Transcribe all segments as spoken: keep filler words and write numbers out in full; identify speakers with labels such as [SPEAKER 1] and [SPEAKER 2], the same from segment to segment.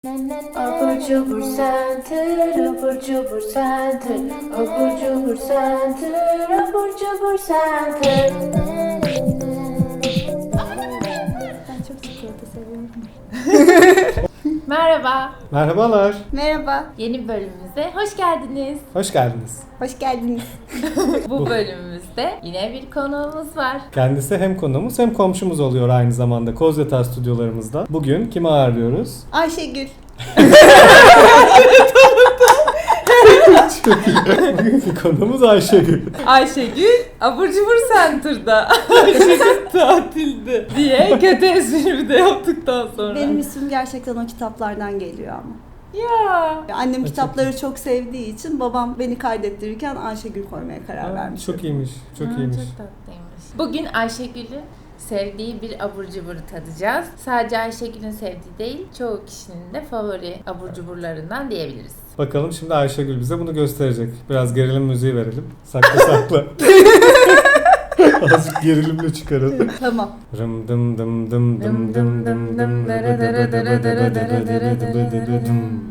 [SPEAKER 1] Abur cubur center, abur cubur center, abur cubur center, abur cubur center.
[SPEAKER 2] Ben çok çikolata seviyorum.
[SPEAKER 1] Merhaba,
[SPEAKER 3] Merhabalar,
[SPEAKER 2] Merhaba,
[SPEAKER 1] yeni bölümümüze hoş geldiniz.
[SPEAKER 3] hoş geldiniz.
[SPEAKER 2] hoş geldiniz.
[SPEAKER 1] Bu bölümümüzde yine bir konuğumuz var.
[SPEAKER 3] Kendisi hem konuğumuz hem komşumuz oluyor aynı zamanda Kozyataş stüdyolarımızda. Bugün kimi ağırlıyoruz?
[SPEAKER 2] Ayşegül.
[SPEAKER 3] Bugünkü konuğumuz Ayşegül.
[SPEAKER 1] Ayşegül, abur cubur center'da. Ayşegül tatilde diye kötü esprimi de yaptıktan sonra.
[SPEAKER 2] Benim ismim gerçekten o kitaplardan geliyor ama.
[SPEAKER 1] Ya.
[SPEAKER 2] Annem kitapları çok sevdiği için babam beni kaydettirirken Ayşegül koymaya karar
[SPEAKER 3] Aa,
[SPEAKER 2] vermiş.
[SPEAKER 3] çok iyiymiş, çok
[SPEAKER 1] Ha,
[SPEAKER 3] iyiymiş.
[SPEAKER 1] Çok tatlıymış. Bugün Ayşegül'ün sevdiği bir abur cuburu tadacağız. Sadece Ayşegül'ün sevdiği değil, çoğu kişinin de favori abur cuburlarından diyebiliriz.
[SPEAKER 3] Bakalım şimdi Ayşegül bize bunu gösterecek. Biraz gerilim müziği verelim. Sakla sakla. Azıcık gerilimle çıkaralım.
[SPEAKER 2] Tamam.
[SPEAKER 3] Rım dım dım dım dım dım dım dım dıbı dıbı dıbı dıbı dıbı dıbı dıbı dıbı dım.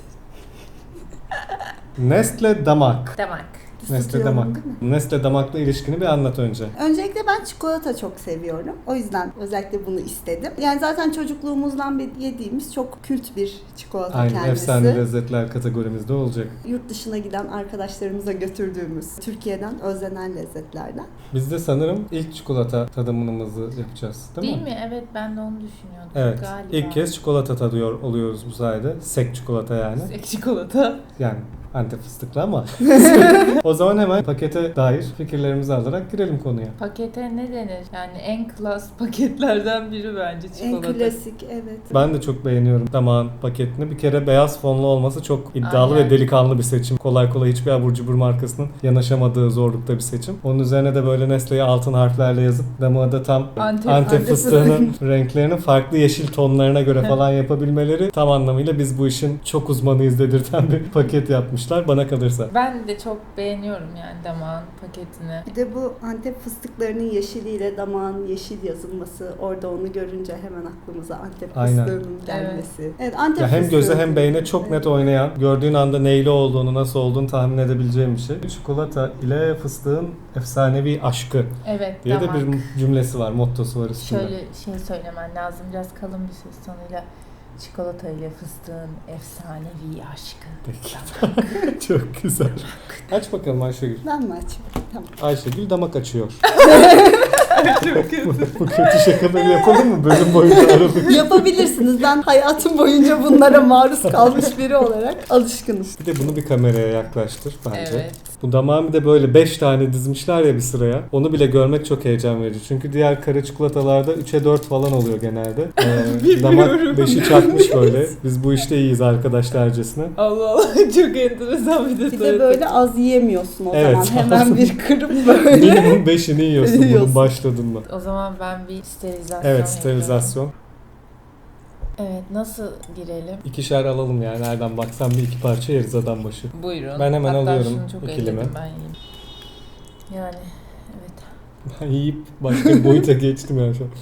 [SPEAKER 3] Nestle damak.
[SPEAKER 1] Damak.
[SPEAKER 3] Nestle
[SPEAKER 2] Isıtıyorum,
[SPEAKER 3] damak.
[SPEAKER 2] değil mi?
[SPEAKER 3] Nestle damakla ilişkini bir anlat önce.
[SPEAKER 2] Öncelikle ben çikolata çok seviyorum. O yüzden özellikle bunu istedim. Yani zaten çocukluğumuzdan beri yediğimiz çok kült bir çikolata
[SPEAKER 3] Aynen,
[SPEAKER 2] kendisi.
[SPEAKER 3] efsane lezzetler kategorimizde olacak.
[SPEAKER 2] Yurt dışına giden arkadaşlarımıza götürdüğümüz Türkiye'den özlenen lezzetlerden.
[SPEAKER 3] Biz de sanırım ilk çikolata tadımımızı yapacağız, değil,
[SPEAKER 1] Değil
[SPEAKER 3] mi?
[SPEAKER 1] mi? Evet, ben de onu düşünüyordum
[SPEAKER 3] Evet.
[SPEAKER 1] galiba.
[SPEAKER 3] İlk kez çikolata tadıyor oluyoruz bu sayede. Sek çikolata yani.
[SPEAKER 1] Sek çikolata.
[SPEAKER 3] Yani Antep fıstıklı ama. O zaman hemen pakete dair fikirlerimizi alarak girelim konuya.
[SPEAKER 1] Pakete ne denir? Yani en klas paketlerden biri bence çikolata.
[SPEAKER 2] En klasik, evet.
[SPEAKER 3] Ben de çok beğeniyorum damağın paketini. Bir kere beyaz fonlu olması çok iddialı
[SPEAKER 1] Aynen.
[SPEAKER 3] ve delikanlı bir seçim. Kolay kolay hiçbir abur cubur markasının yanaşamadığı zorlukta bir seçim. Onun üzerine de böyle Nestle'yi altın harflerle yazıp damağı da tam
[SPEAKER 1] Antep-
[SPEAKER 3] Antep,
[SPEAKER 2] Antep
[SPEAKER 3] fıstığının renklerinin farklı yeşil tonlarına göre falan yapabilmeleri tam anlamıyla biz bu işin çok uzmanıyız dedirten bir paket yapmışlar bana kalırsa.
[SPEAKER 1] Ben de çok beğeniyorum yani damağın paketini.
[SPEAKER 2] Bir de bu Antep fıstıklarının yeşiliyle damağın yeşil yazılması, orada onu görünce hemen aklımıza Antep
[SPEAKER 3] Aynen.
[SPEAKER 2] fıstığının gelmesi. Evet, Antep
[SPEAKER 3] Ya hem
[SPEAKER 2] fıstığı.
[SPEAKER 3] göze hem beyne çok net
[SPEAKER 2] Evet.
[SPEAKER 3] oynayan, gördüğün anda neyli olduğunu, nasıl olduğunu tahmin edebileceğim bir şey. Çikolata ile fıstığın efsanevi aşkı
[SPEAKER 1] Evet,
[SPEAKER 3] diye
[SPEAKER 1] damak.
[SPEAKER 3] de bir cümlesi var, mottosu var üstünde.
[SPEAKER 1] Şöyle şey söylemen lazım, biraz kalın bir ses tonuyla. Çikolata ile fıstığın efsanevi aşkı.
[SPEAKER 3] Peki. Çok güzel. Aç bakalım Ayşegül.
[SPEAKER 2] Ben mi açayım? Tamam.
[SPEAKER 3] Ayşegül damak açıyor.
[SPEAKER 1] Çok kötü.
[SPEAKER 3] Bu kötü şakaları yapalım mı bölüm boyunca aralık?
[SPEAKER 2] Yapabilirsiniz. Ben hayatım boyunca bunlara maruz kalmış biri olarak alışkınım.
[SPEAKER 3] Bir de bunu bir kameraya yaklaştır bence.
[SPEAKER 1] Evet.
[SPEAKER 3] Bu damağın bir de böyle beş tane dizmişler ya bir sıraya. Onu bile görmek çok heyecan verici. Çünkü diğer kare çikolatalarda üçe dört falan oluyor genelde. Ee, damak beşi çakmış böyle. Biz bu işte iyiyiz arkadaşlarcasına.
[SPEAKER 1] Allah Allah, çok enteresan bir detay.
[SPEAKER 2] Bir de böyle az yiyemiyorsun o
[SPEAKER 3] Evet,
[SPEAKER 2] zaman. Hemen
[SPEAKER 3] az.
[SPEAKER 2] bir kırıp böyle.
[SPEAKER 3] Minimum beşini yiyorsun bunun
[SPEAKER 2] Yiyorsun.
[SPEAKER 3] başladın mı?
[SPEAKER 1] O zaman ben bir sterilizasyon
[SPEAKER 3] Evet,
[SPEAKER 1] yapıyorum.
[SPEAKER 3] sterilizasyon.
[SPEAKER 1] Evet, nasıl girelim?
[SPEAKER 3] İkişer alalım yani nereden baksan bir iki parça yeriz adam başı.
[SPEAKER 1] Buyurun.
[SPEAKER 3] Ben hemen
[SPEAKER 1] Hatta
[SPEAKER 3] alıyorum
[SPEAKER 1] şunu çok
[SPEAKER 3] ikilimi.
[SPEAKER 1] elledim ben yiyeyim. Yani evet.
[SPEAKER 3] Ben yiyip başka bir boyuta geçtim ya şu an.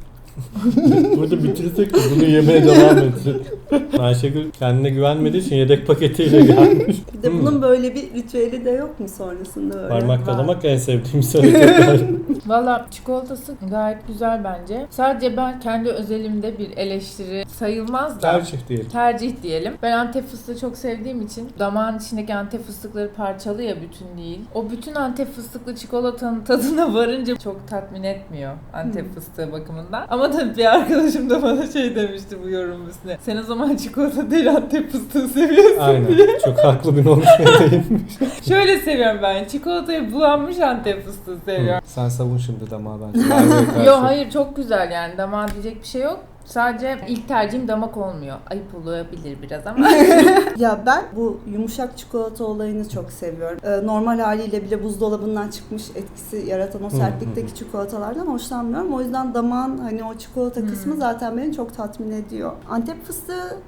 [SPEAKER 3] Burada bitirsek de bunu yemeye devam etsek. Ayşegül kendine güvenmediği için yedek paketiyle gelmiş.
[SPEAKER 2] Bir de
[SPEAKER 3] Hmm.
[SPEAKER 2] bunun böyle bir ritüeli de yok mu sonrasında böyle?
[SPEAKER 3] Parmak
[SPEAKER 2] Var.
[SPEAKER 3] dalamak en sevdiğim hareketler.
[SPEAKER 1] Valla çikolatası gayet güzel bence. Sadece ben kendi özelimde bir eleştiri sayılmaz da.
[SPEAKER 3] Tercih diyelim.
[SPEAKER 1] Tercih diyelim. Ben Antep fıstığı çok sevdiğim için damağın içindeki Antep fıstıkları parçalı ya, bütün değil. O bütün Antep fıstıklı çikolatanın tadına varınca çok tatmin etmiyor Antep
[SPEAKER 2] Hmm.
[SPEAKER 1] fıstığı bakımından. Ama tabii bir arkadaşım da bana şey demişti bu yorum üstüne. Sen o zaman çikolata değil Antep fıstığı seviyorsun
[SPEAKER 3] Aynen.
[SPEAKER 1] diye.
[SPEAKER 3] Çok haklı bir noktaya değinmiş.
[SPEAKER 1] Şöyle seviyorum ben. Çikolatayı bulanmış Antep fıstığı seviyorum.
[SPEAKER 3] Sen savun şimdi damağı bence. Merve'ye karşı.
[SPEAKER 1] Yo hayır, çok güzel yani, damağa diyecek bir şey yok. Sadece ilk tercihim damak olmuyor. Ayıp olabilir biraz ama.
[SPEAKER 2] Ya ben bu yumuşak çikolata olayını çok seviyorum. Ee, normal haliyle bile buzdolabından çıkmış etkisi yaratan o sertlikteki çikolatalardan hoşlanmıyorum. O yüzden damağın hani o çikolata kısmı
[SPEAKER 1] Hmm.
[SPEAKER 2] zaten beni çok tatmin ediyor. Antep fıstığı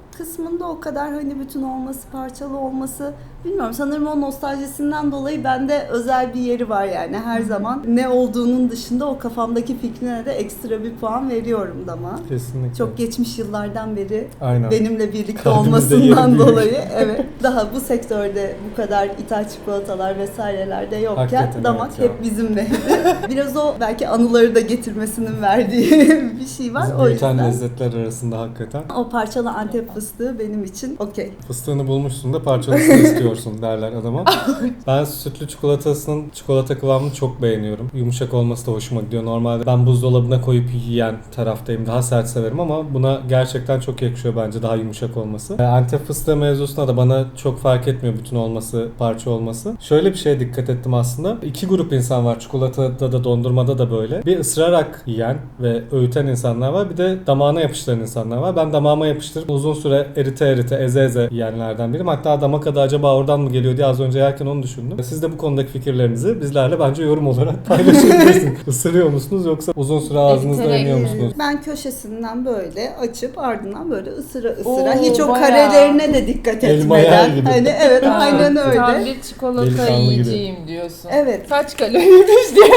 [SPEAKER 2] kısmında o kadar hani bütün olması, parçalı olması bilmiyorum. Sanırım o nostaljisinden dolayı bende özel bir yeri var yani. Her zaman ne olduğunun dışında o kafamdaki fikrine de ekstra bir puan veriyorum dama.
[SPEAKER 3] Kesinlikle.
[SPEAKER 2] Çok geçmiş yıllardan beri
[SPEAKER 3] Aynen.
[SPEAKER 2] benimle birlikte
[SPEAKER 3] Kalbimizde
[SPEAKER 2] olmasından
[SPEAKER 3] yeri büyük.
[SPEAKER 2] dolayı evet. Daha bu sektörde bu kadar ithal çikolatalar vesaireler de yokken
[SPEAKER 3] Hakikaten
[SPEAKER 2] damak
[SPEAKER 3] evet ya.
[SPEAKER 2] hep bizimleydi. Biraz o belki anıları da getirmesinin verdiği bir şey var.
[SPEAKER 3] Bizi
[SPEAKER 2] O
[SPEAKER 3] büyüten
[SPEAKER 2] yüzden
[SPEAKER 3] lezzetler arasında hakikaten.
[SPEAKER 2] o parçalı Antep fıstığı benim için okey.
[SPEAKER 3] Fıstığını bulmuşsun da parçalısını istiyorsun derler adama. Ben sütlü çikolatasının çikolata kıvamını çok beğeniyorum. Yumuşak olması da hoşuma gidiyor. Normalde ben buzdolabına koyup yiyen taraftayım. Daha sert severim ama buna gerçekten çok yakışıyor bence daha yumuşak olması. E, Antep fıstığı mevzusunda da bana çok fark etmiyor bütün olması, parça olması. Şöyle bir şeye dikkat ettim aslında. İki grup insan var. Çikolatada da dondurmada da böyle. Bir ısırarak yiyen ve öğüten insanlar var. Bir de damağına yapıştıran insanlar var. Ben damağıma yapıştırıp uzun süre erite erite, eze eze yiyenlerden biriyim. Hatta damak adı acaba oradan mı geliyor diye az önce yerken onu düşündüm. Siz de bu konudaki fikirlerinizi bizlerle bence yorum olarak paylaşabilirsiniz. Isırıyor musunuz yoksa uzun süre ağzınızda
[SPEAKER 1] Eriterek
[SPEAKER 3] emiyor
[SPEAKER 2] Ee,
[SPEAKER 3] musunuz?
[SPEAKER 2] Ben köşesinden böyle açıp ardından böyle ısıra ısıra
[SPEAKER 1] Oo,
[SPEAKER 2] hiç o
[SPEAKER 1] bayağı.
[SPEAKER 2] karelerine de dikkat
[SPEAKER 3] Elma yer
[SPEAKER 2] etmeden.
[SPEAKER 3] gibi.
[SPEAKER 2] Hani evet
[SPEAKER 1] Ha,
[SPEAKER 2] aynen
[SPEAKER 1] Tam
[SPEAKER 2] öyle.
[SPEAKER 1] bir çikolata
[SPEAKER 3] Delikanlı gibi.
[SPEAKER 1] yiyeceğim diyorsun.
[SPEAKER 2] Evet.
[SPEAKER 1] Kaç kaloriymiş diye.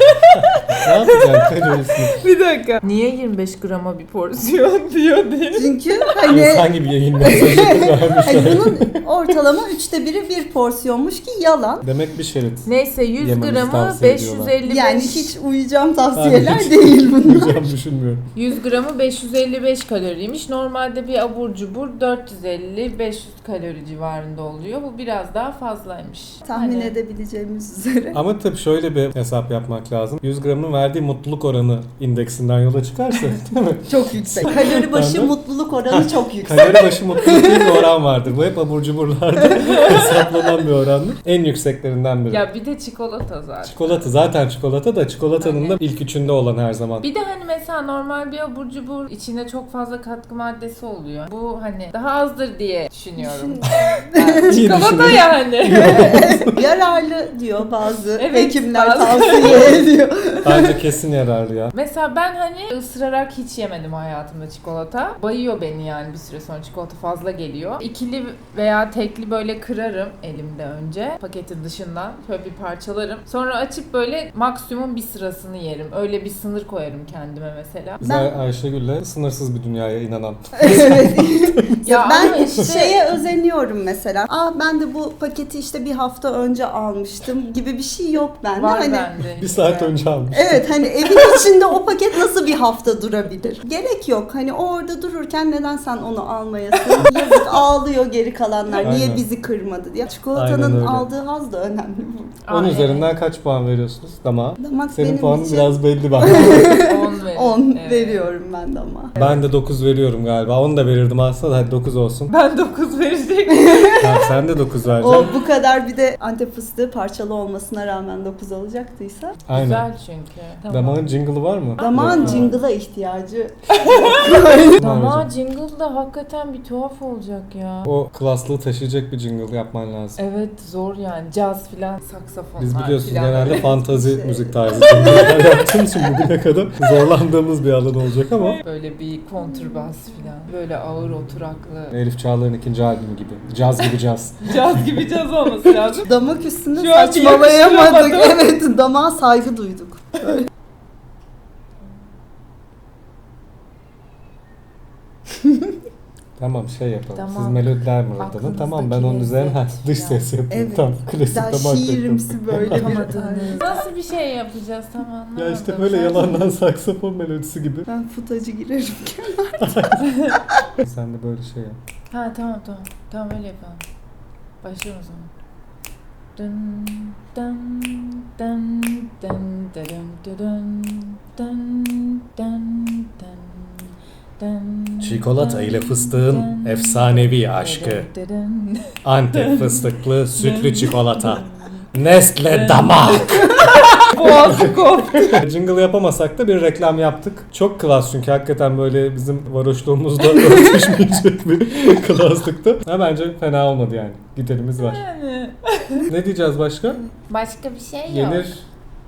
[SPEAKER 3] Ne yapacaksın kalorisini?
[SPEAKER 1] Bir dakika. Niye yirmi beş grama bir porsiyon diyor diye.
[SPEAKER 2] Çünkü hani
[SPEAKER 3] İnsan gibi yayın mesajı
[SPEAKER 2] hani
[SPEAKER 3] vermişler.
[SPEAKER 2] bunun ortalama üçte biri bir porsiyonmuş ki yalan.
[SPEAKER 3] Demek bir şerit.
[SPEAKER 1] Neyse yüz
[SPEAKER 3] Yememizi
[SPEAKER 1] gramı
[SPEAKER 3] tavsiye
[SPEAKER 1] beş yüz
[SPEAKER 3] ediyorlar.
[SPEAKER 1] elli beş.
[SPEAKER 2] Yani hiç uyuyacağım tavsiyeler
[SPEAKER 3] hiç
[SPEAKER 2] değil bunlar.
[SPEAKER 3] Uyuyacağım düşünmüyorum.
[SPEAKER 1] yüz gramı beş yüz elli beş kaloriymiş. Normalde bir abur cubur dört yüz elli beş yüz kalori civarında oluyor. Bu biraz daha fazlaymış.
[SPEAKER 2] Tahmin
[SPEAKER 1] Hani-
[SPEAKER 2] edebileceğimiz üzere.
[SPEAKER 3] Ama tabii şöyle bir hesap yapmak lazım. yüz gramın verdiği mutluluk oranı indeksinden yola çıkarsa değil mi?
[SPEAKER 2] Çok yüksek. Kalori başı
[SPEAKER 3] Ben de-
[SPEAKER 2] mutluluk oranı çok yüksek.
[SPEAKER 3] Kalori başı mutluluk diye bir oran vardır. Bu hep abur cuburlarda hesaplanan bir orandır. En yükseklerinden biri.
[SPEAKER 1] Ya bir de çikolata zaten.
[SPEAKER 3] Çikolata zaten çikolata da çikolatanın
[SPEAKER 1] Aynen.
[SPEAKER 3] da ilk üçünde olan her zaman.
[SPEAKER 1] Bir de hani mesela normal bir abur cubur içinde çok fazla katkı maddesi oluyor. Bu hani daha azdır diye düşünüyorum. Yani
[SPEAKER 3] İyi
[SPEAKER 1] çikolata
[SPEAKER 3] düşünüyorum.
[SPEAKER 1] yani.
[SPEAKER 2] Yararlı diyor bazı
[SPEAKER 1] Evet,
[SPEAKER 2] hekimler
[SPEAKER 1] bazı-
[SPEAKER 2] tavsiye ediyor.
[SPEAKER 3] Bence kesin yararlı ya.
[SPEAKER 1] Mesela ben hani ısırarak hiç yemedim hayatımda çikolata. Bayıyor beni yani bir süre sonra çikolata fazla geliyor. İkili veya tekli böyle kırarım elimde önce paketin dışından. Şöyle bir parçalarım. Sonra açıp böyle maksimum bir sırasını yerim. Öyle bir sınır koyarım kendime mesela.
[SPEAKER 3] Biz
[SPEAKER 2] Ben-
[SPEAKER 3] Ayşegül'le sınırsız bir dünyaya inanan.
[SPEAKER 2] Evet.
[SPEAKER 1] Ya
[SPEAKER 2] ben
[SPEAKER 1] ama işte-
[SPEAKER 2] şeye özeniyorum mesela. Aa ben de bu paketi işte bir hafta önce almıştım gibi bir şey yok bende.
[SPEAKER 1] Var
[SPEAKER 2] hani
[SPEAKER 1] bende.
[SPEAKER 3] Bir saat
[SPEAKER 1] işte.
[SPEAKER 3] önce almış.
[SPEAKER 2] evet hani evin içinde o paket nasıl bir hafta durabilir? Gerek yok. Hani o orada dururken neden sen onu almayasın? Yazık ağlıyor geri kalanlar. Niye
[SPEAKER 3] Aynen.
[SPEAKER 2] bizi kırmadı diye.
[SPEAKER 3] Aynen
[SPEAKER 2] Çikolatanın
[SPEAKER 3] öyle.
[SPEAKER 2] aldığı haz da önemli burada.
[SPEAKER 3] On
[SPEAKER 1] Aa,
[SPEAKER 3] üzerinden kaç puan veriyorsunuz? Dama.
[SPEAKER 2] Damak
[SPEAKER 3] Senin
[SPEAKER 2] benim
[SPEAKER 3] puanın
[SPEAKER 2] için
[SPEAKER 3] biraz belli bak.
[SPEAKER 1] on verin.
[SPEAKER 2] on
[SPEAKER 1] Evet.
[SPEAKER 2] veriyorum ben de ama.
[SPEAKER 3] Ben de dokuz veriyorum galiba. on da verirdim aslında da hadi dokuz olsun.
[SPEAKER 1] Ben dokuz verecektim.
[SPEAKER 3] Tamam, sen de dokuz
[SPEAKER 2] O
[SPEAKER 3] vereceksin.
[SPEAKER 2] bu kadar bir de Antep fıstığı parçalı olmasına rağmen dokuz alacaktıysa.
[SPEAKER 3] Aynen.
[SPEAKER 1] Güzel çünkü. Tamam.
[SPEAKER 3] Damağın jingle'ı var mı?
[SPEAKER 2] Damağın
[SPEAKER 3] Yok.
[SPEAKER 2] jingle'a ihtiyacı.
[SPEAKER 1] Damağı jingle da hakikaten bir tuhaf olacak ya.
[SPEAKER 3] O klaslığı taşıyacak bir jingle yapman lazım.
[SPEAKER 1] Evet zor yani. Caz filan, saksafonlar
[SPEAKER 3] Biz biliyorsunuz
[SPEAKER 1] filan.
[SPEAKER 3] genelde fantazi
[SPEAKER 2] Şey.
[SPEAKER 3] müzik tarzı jingle'lar yaptığımız için bugüne kadar zorlandığımız bir alan olacak ama
[SPEAKER 1] Böyle bir kontrbas filan. Böyle ağır oturaklı.
[SPEAKER 3] Elif Çağlar'ın ikinci albümü gibi. Caz gibi caz.
[SPEAKER 1] Caz gibi caz olması lazım.
[SPEAKER 2] Damak üstünde
[SPEAKER 1] Şu an
[SPEAKER 2] saçmalayamadık.
[SPEAKER 1] yakıştıramadım.
[SPEAKER 2] Evet, damağa saygı duyduk. Böyle.
[SPEAKER 3] Tamam şey yapalım.
[SPEAKER 1] Tamam.
[SPEAKER 3] Siz melodiler mi
[SPEAKER 1] Aklınızdaki
[SPEAKER 3] oradan? Tamam ben onun üzerine ha, dış
[SPEAKER 1] lezzet
[SPEAKER 3] ses yapayım.
[SPEAKER 2] Evet.
[SPEAKER 3] Tamam klasik
[SPEAKER 2] Daha
[SPEAKER 3] damak
[SPEAKER 2] şiirimsi böyle bir
[SPEAKER 1] Yapamadığınız. Nasıl bir şey yapacağız tam anlamadım.
[SPEAKER 3] Ya işte böyle
[SPEAKER 1] Sen-
[SPEAKER 3] yalandan saksafon melodisi gibi.
[SPEAKER 2] Ben futacı girerim.
[SPEAKER 3] Sen de böyle şey yap.
[SPEAKER 1] Ha tamam tamam. Tamam öyle yapalım. Başlayalım o zaman. Dın dın dın dın dın dın dın dın dın dın.
[SPEAKER 3] Çikolata ile
[SPEAKER 1] dın
[SPEAKER 3] fıstığın
[SPEAKER 1] dın
[SPEAKER 3] efsanevi
[SPEAKER 1] dın
[SPEAKER 3] aşkı.
[SPEAKER 1] dın dın.
[SPEAKER 3] Antep fıstıklı sütlü çikolata. Nestle damak.
[SPEAKER 1] Boğazı koptu.
[SPEAKER 3] Jingle yapamasak da bir reklam yaptık. Çok klas çünkü hakikaten böyle bizim varoşluğumuzla örtüşmeyecek bir klaslıktı. Ha bence fena olmadı yani. Giderimiz var.
[SPEAKER 1] Yani.
[SPEAKER 3] Ne diyeceğiz başka?
[SPEAKER 1] Başka bir şey yok.
[SPEAKER 3] Yenir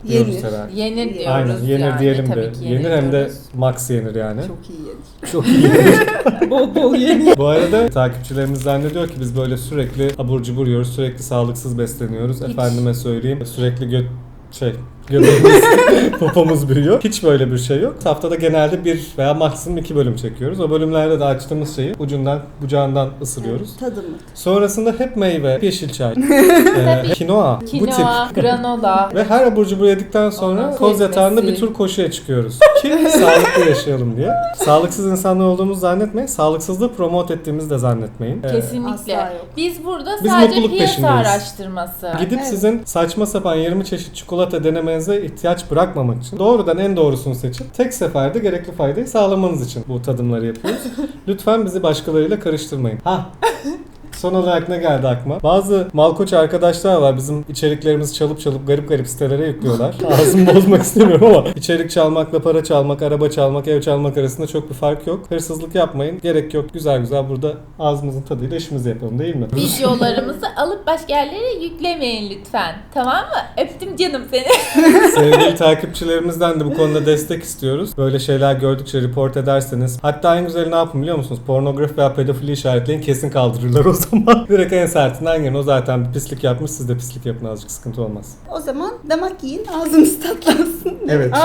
[SPEAKER 3] diyoruz
[SPEAKER 2] Yenir.
[SPEAKER 3] herhalde.
[SPEAKER 1] Yenir diyoruz.
[SPEAKER 3] Aynen yenir
[SPEAKER 1] yani.
[SPEAKER 3] diyelim
[SPEAKER 1] Tabii
[SPEAKER 3] de.
[SPEAKER 1] ki
[SPEAKER 3] Yenir hem de
[SPEAKER 1] diyoruz.
[SPEAKER 3] max yenir yani.
[SPEAKER 2] Çok iyi yenir.
[SPEAKER 3] Çok iyi yenir.
[SPEAKER 1] Bol bol yenir.
[SPEAKER 3] Bu arada takipçilerimiz zannediyor ki biz böyle sürekli abur cubur yiyoruz, sürekli sağlıksız besleniyoruz.
[SPEAKER 1] Hiç.
[SPEAKER 3] Efendime söyleyeyim sürekli göt şey göbeğimiz, popomuz büyüyor. Hiç böyle bir şey yok. Haftada genelde bir veya maksimum iki bölüm çekiyoruz. O bölümlerde de açtığımız şeyi ucundan, bucağından ısırıyoruz.
[SPEAKER 2] Tadımlık.
[SPEAKER 3] Sonrasında hep meyve, yeşil çay, e, kinoa, bu
[SPEAKER 1] Kinoa,
[SPEAKER 3] tip.
[SPEAKER 1] granola.
[SPEAKER 3] Ve her abur cubur yedikten sonra
[SPEAKER 1] Ondan
[SPEAKER 3] koz yatağında
[SPEAKER 1] kesmesi.
[SPEAKER 3] bir tur koşuya çıkıyoruz. Ki sağlıklı yaşayalım diye. Sağlıksız insanlar olduğumuzu zannetmeyin. Sağlıksızlığı promote ettiğimizi de zannetmeyin. Ee,
[SPEAKER 1] Kesinlikle.
[SPEAKER 2] Asla yok.
[SPEAKER 1] Biz burada
[SPEAKER 3] Biz
[SPEAKER 1] sadece
[SPEAKER 3] mutluluk
[SPEAKER 1] piyasa
[SPEAKER 3] peşindeyiz.
[SPEAKER 1] araştırması.
[SPEAKER 3] Gidip
[SPEAKER 2] Evet.
[SPEAKER 3] sizin saçma sapan yirmi çeşit çikolata denemenize ihtiyaç bırakmamak için doğrudan en doğrusunu seçip tek seferde gerekli faydayı sağlamanız için bu tadımları yapıyoruz. Lütfen bizi başkalarıyla karıştırmayın. Ha. Son olarak ne geldi aklıma? Bazı malkoç arkadaşlar var bizim içeriklerimizi çalıp çalıp garip garip sitelere yüklüyorlar. Ağzımı bozmak istemiyorum ama içerik çalmakla para çalmak, araba çalmak, ev çalmak arasında çok bir fark yok. Hırsızlık yapmayın. Gerek yok. Güzel güzel burada ağzımızın tadıyla işimizi yapalım değil mi?
[SPEAKER 1] Videolarımızı alıp başka yerlere yüklemeyin lütfen. Tamam mı? Öptüm canım seni.
[SPEAKER 3] Sevgili takipçilerimizden de bu konuda destek istiyoruz. Böyle şeyler gördükçe report ederseniz. Hatta en güzeli ne yapın biliyor musunuz? Pornografi veya pedofili işaretleyin kesin kaldırırlar o zaman. Direkt en sertinden gelin. O zaten bir pislik yapmış. Siz de pislik yapın azıcık sıkıntı olmaz.
[SPEAKER 2] O zaman damak yiyin, ağzınız tatlansın.
[SPEAKER 3] Evet.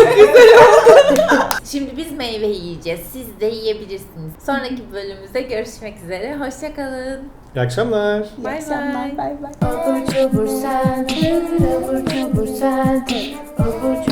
[SPEAKER 1] Şimdi biz meyve yiyeceğiz. Siz de yiyebilirsiniz. Sonraki bölümümüzde görüşmek üzere. Hoşçakalın.
[SPEAKER 3] İyi akşamlar.
[SPEAKER 2] İyi
[SPEAKER 1] Bay
[SPEAKER 2] akşamlar.
[SPEAKER 1] bay.
[SPEAKER 2] Bay bay.
[SPEAKER 4] Abur cubur sen, abur cubur sen, abur